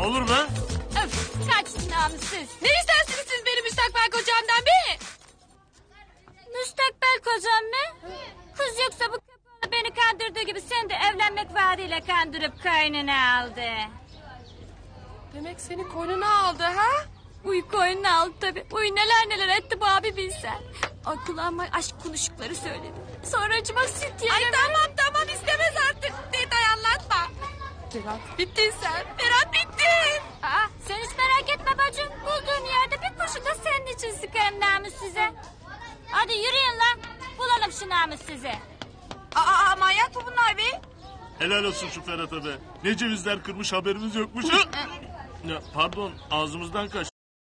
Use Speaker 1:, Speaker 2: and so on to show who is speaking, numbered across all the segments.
Speaker 1: olur be?
Speaker 2: Öf, kaç namussuz. Ne istersiniz siz benim müstakbel kocamdan be? Müstakbel kocam mı? Kız yoksa bu köpeği beni kandırdığı gibi sen de evlenmek vaadiyle kandırıp kaynına aldı.
Speaker 3: Demek seni koynuna aldı ha?
Speaker 2: Uy koynuna aldı tabii. Uy neler neler etti bu abi bilsen. Ay kulağıma aşk konuşukları söyledi. Sonra acıma süt yerim.
Speaker 3: Ay tamam istemez artık. Detay anlatma. Ferhat bittin sen. Ferhat bittin.
Speaker 2: Aa, sen hiç merak etme bacım. Bulduğun yerde bir kurşun da senin için sıkarım namussuza. Hadi yürüyün lan. Bulalım şu namussuzu.
Speaker 3: Aa manyak mı bunlar be?
Speaker 1: Helal olsun şu Ferhat'a be. Ne cevizler kırmış haberimiz yokmuş. Ya, pardon ağzımızdan kaç.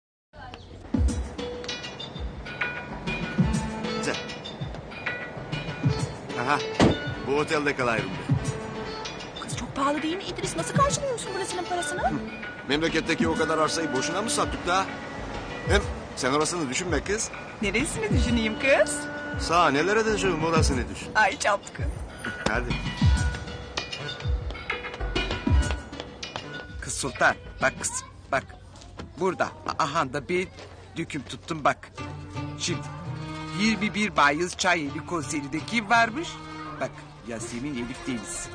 Speaker 4: Aha, bu otelde kalayım be.
Speaker 3: Kız çok pahalı değil mi İdris? Nasıl karşılıyorsun burasının parasını?
Speaker 4: Memleketteki o kadar arsayı boşuna mı sattık da? Hem sen orasını düşünme kız.
Speaker 3: Neresini düşüneyim kız?
Speaker 4: Sağ nelere düşün orasını düşün.
Speaker 3: Ay çapkın.
Speaker 4: Hadi.
Speaker 5: Kız Sultan bak kızım bak. Burada aha da bir döküm tuttum bak. Şimdi 21 Mayıs Çayeli konserinde kim varmış? Bak Yasemin Elif Deniz.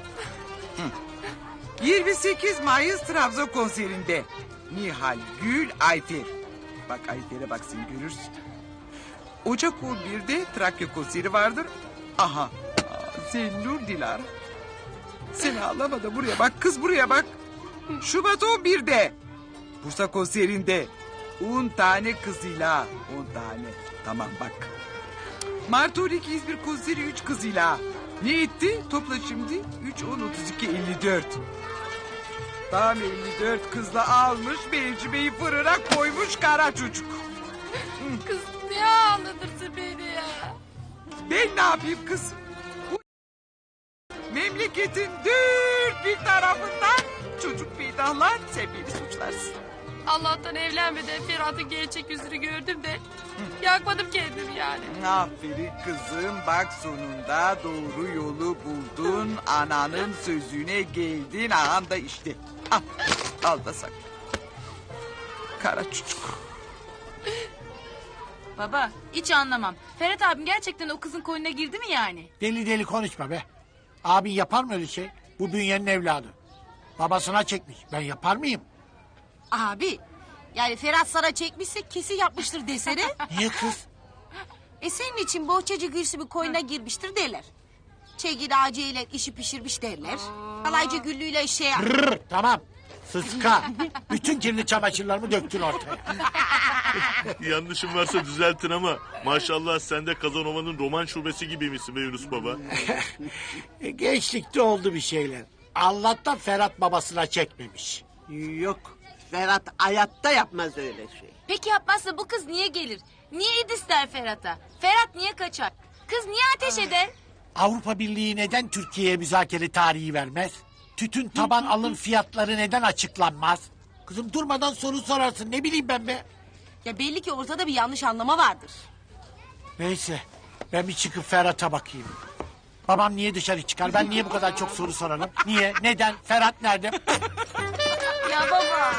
Speaker 5: 28 Mayıs Trabzon konserinde Nihal Gül Ayfer. Bak Ayfer'e bak sen görürsün. Ocak 11'de Trakya konseri vardır. Aha Zennur Dilara. Sen ağlama da buraya bak kız buraya bak. Şubat 11'de Bursa konserinde 10 tane kızıyla 10 tane. Tamam bak. Mart 12 İzmir konseri 3 kızıyla. Ne etti? Topla şimdi. 3, 10, 32, 54. Tam 54 kızla almış mevcimeyi fırına koymuş kara çocuk.
Speaker 3: Kız niye ağlatırsın beni ya?
Speaker 5: Ben ne yapayım kız? Bu memleketin dört bir tarafından çocuk peydahlar sen beni suçlarsın.
Speaker 3: Allah'tan evlenmeden Ferhat'ın gerçek yüzünü gördüm de yakmadım kendimi yani.
Speaker 5: Aferin kızım bak sonunda doğru yolu buldun. Ananın sözüne geldin. Ağam da işte. Al da sak. Kara çocuk.
Speaker 6: Baba hiç anlamam. Ferhat abim gerçekten o kızın koynuna girdi mi yani?
Speaker 7: Deli deli konuşma be. Abin yapar mı öyle şey? Bu Bünye'nin evladı. Babasına çekmiş. Ben yapar mıyım?
Speaker 8: Abi yani Ferhat sana çekmişse kesin yapmıştır desene.
Speaker 7: Niye kız?
Speaker 8: Senin için bohçacı Gülsüm'ün koyuna girmiştir derler. Çegin ağacıyla işi pişirmiş derler. Kalaycı Güllü'yle şey...
Speaker 7: Rrr, tamam. Sıska. Bütün kirli çamaşırlarımı döktün ortaya.
Speaker 1: Yanlışım varsa düzeltin ama maşallah sen de Kazanova'nın roman şubesi gibiymişsin be Yunus baba.
Speaker 7: Gençlikte oldu bir şeyler. Allah'tan Ferhat babasına çekmemiş.
Speaker 9: Yok. Ferhat hayatta yapmaz öyle şey.
Speaker 6: Peki yapmazsa bu kız niye gelir? Niye İdris der Ferhat'a? Ferhat niye kaçar? Kız niye ateş eder?
Speaker 7: Avrupa Birliği neden Türkiye'ye müzakere tarihi vermez? Tütün taban alım fiyatları neden açıklanmaz? Kızım durmadan soru sorarsın, ne bileyim ben be.
Speaker 8: Ya belli ki ortada bir yanlış anlama vardır.
Speaker 7: Neyse ben bir çıkıp Ferhat'a bakayım. Babam niye dışarı çıkar? Ben niye bu kadar çok soru sorarım? Niye? Neden? Ferhat nerede?
Speaker 6: Ya baba.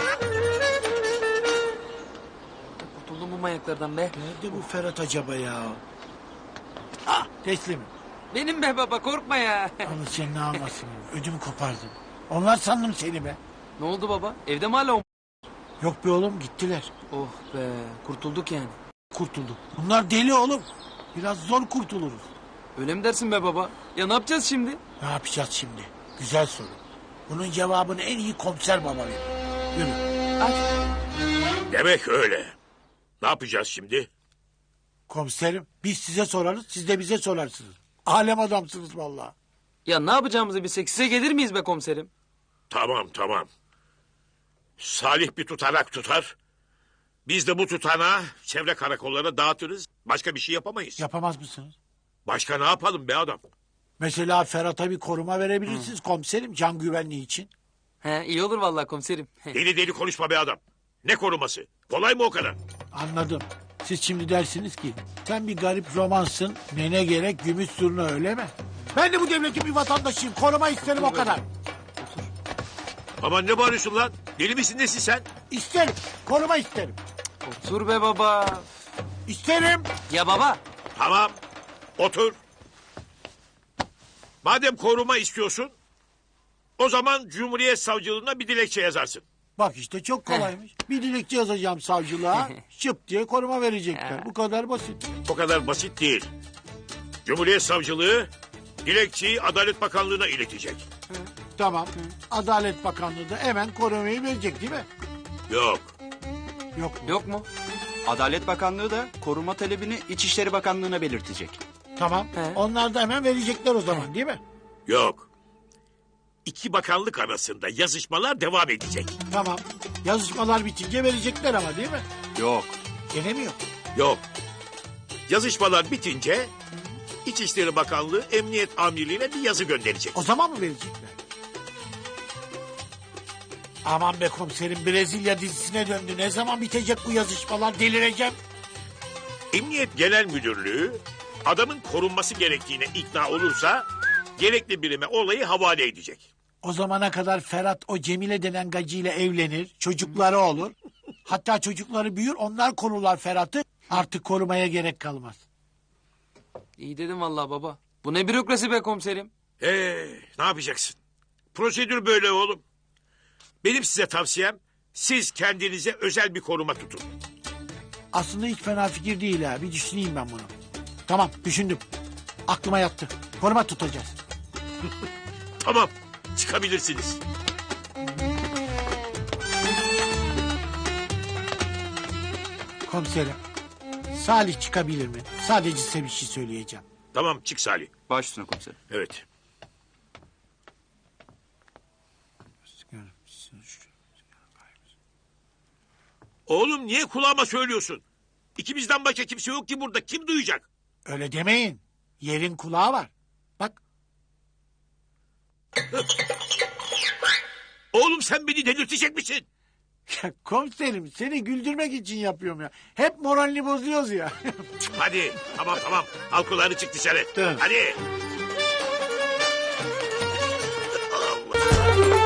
Speaker 10: Kurtuldum bu manyaklardan be.
Speaker 7: Nerede bu Ferhat acaba ya? Ah teslim.
Speaker 10: Benim be baba korkma ya.
Speaker 7: Allah seni ne almasın. Ödümü kopardım. Onlar sandım seni be.
Speaker 10: Ne oldu baba? Evde mi hala o?
Speaker 7: Yok be oğlum gittiler.
Speaker 10: Oh be kurtulduk yani.
Speaker 7: Kurtulduk. Bunlar deli oğlum. Biraz zor kurtuluruz.
Speaker 10: Öyle mi dersin be baba? Ya ne yapacağız şimdi?
Speaker 7: Ne yapacağız şimdi? Güzel soru. Bunun cevabını en iyi komiser baba verir. Yürü.
Speaker 11: Demek öyle. Ne yapacağız şimdi?
Speaker 7: Komiserim biz size sorarız, siz de bize sorarsınız. Alem adamsınız vallahi.
Speaker 10: Ya ne yapacağımızı bilsek size gelir miyiz be komiserim?
Speaker 11: Tamam. Salih bir tutanak tutar. Biz de bu tutanağı çevre karakollara dağıtırız. Başka bir şey yapamayız.
Speaker 7: Yapamaz mısınız?
Speaker 11: Başka ne yapalım be adam?
Speaker 7: Mesela Ferhat'a bir koruma verebilirsiniz komiserim can güvenliği için.
Speaker 10: He iyi olur vallahi komiserim.
Speaker 11: Deli konuşma be adam. Ne koruması? Kolay mı o kadar?
Speaker 7: Anladım. Siz şimdi dersiniz ki sen bir garip romansın ne gerek gümüş zurna öyle mi? Ben de bu devletin bir vatandaşıyım koruma isterim o kadar.
Speaker 11: Aman ne bağırıyorsun lan? Deli misin nesin sen?
Speaker 7: İsterim. Koruma isterim.
Speaker 10: Otur be baba.
Speaker 7: İsterim.
Speaker 10: Ya baba.
Speaker 11: Tamam. Otur. Madem koruma istiyorsun, o zaman Cumhuriyet Savcılığına bir dilekçe yazarsın.
Speaker 7: Bak işte çok kolaymış. Bir dilekçe yazacağım savcılığa. Şıp diye koruma verecekler. Bu kadar basit.
Speaker 11: O kadar basit değil. Cumhuriyet Savcılığı dilekçeyi Adalet Bakanlığı'na iletecek.
Speaker 7: Tamam. Adalet Bakanlığı da hemen korumayı verecek değil mi?
Speaker 11: Yok.
Speaker 7: Yok mu?
Speaker 10: Yok mu?
Speaker 12: Adalet Bakanlığı da koruma talebini İçişleri Bakanlığı'na belirtecek.
Speaker 7: Tamam.
Speaker 10: He.
Speaker 7: Onlar da hemen verecekler o zaman değil mi?
Speaker 11: Yok. İki bakanlık arasında yazışmalar devam edecek.
Speaker 7: Tamam. Yazışmalar bitince verecekler ama değil mi?
Speaker 12: Yok.
Speaker 7: Gene mi yok?
Speaker 11: Yok. Yazışmalar bitince İçişleri Bakanlığı Emniyet Amirliği'ne bir yazı gönderecek.
Speaker 7: O zaman mı verecekler? Aman be komiserim, Brezilya dizisine döndü. Ne zaman bitecek bu yazışmalar? Delireceğim.
Speaker 11: Emniyet Genel Müdürlüğü adamın korunması gerektiğine ikna olursa gerekli birime olayı havale edecek.
Speaker 7: O zamana kadar Ferhat o Cemile denen gacıyla evlenir. Çocukları olur. Hatta çocukları büyür, onlar korurlar Ferhat'ı. Artık korumaya gerek kalmaz.
Speaker 10: İyi dedim vallahi baba. Bu ne bürokrasi be komiserim.
Speaker 11: Ne yapacaksın? Prosedür böyle oğlum. Benim size tavsiyem siz kendinize özel bir koruma tutun.
Speaker 7: Aslında hiç fena fikir değil ha. Bir düşüneyim ben bunu. Tamam, düşündüm. Aklıma yattı. Koruma tutacağız.
Speaker 11: Tamam, çıkabilirsiniz.
Speaker 7: Komiserim, Salih çıkabilir mi? Sadece size bir şey söyleyeceğim.
Speaker 11: Tamam, çık Salih.
Speaker 12: Baş üstüne komiserim.
Speaker 11: Evet. Oğlum niye kulağıma söylüyorsun? İkimizden başka kimse yok ki burada. Kim duyacak?
Speaker 7: Öyle demeyin. Yerin kulağı var. Bak,
Speaker 11: Oğlum sen beni delirtecek misin?
Speaker 7: ya komiserim seni güldürmek için yapıyorum ya. Hep moralini bozuyoruz ya.
Speaker 11: Hadi tamam. Al kulağını çık dışarı.
Speaker 7: Tamam.
Speaker 11: Hadi. Allah.